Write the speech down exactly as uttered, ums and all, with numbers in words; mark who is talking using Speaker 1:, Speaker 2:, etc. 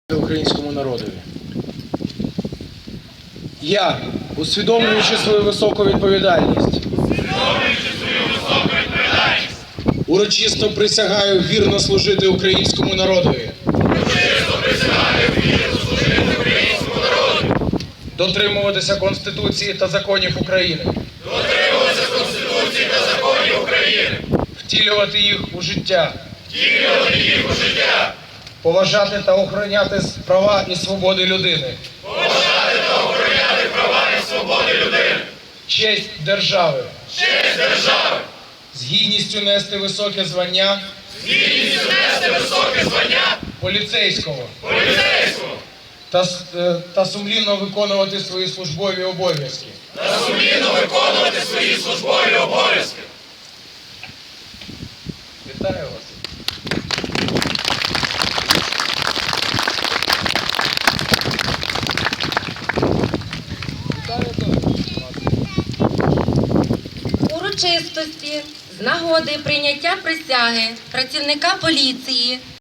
Speaker 1: Українському народові. Я, усвідомлюючи свою високу відповідальність, урочисто присягаю вірно служити українському народові, дотримуватися Конституції та законів України, втілювати їх у життя, поважати та охороняти права і свободи людини, честь держави, з гідністю нести високе звання, поліцейського, та, с- е, та сумлінно виконувати свої службові обов'язки. Вітаю вас. Вітаю, товариші.
Speaker 2: Урочистості з нагоди прийняття присяги працівника поліції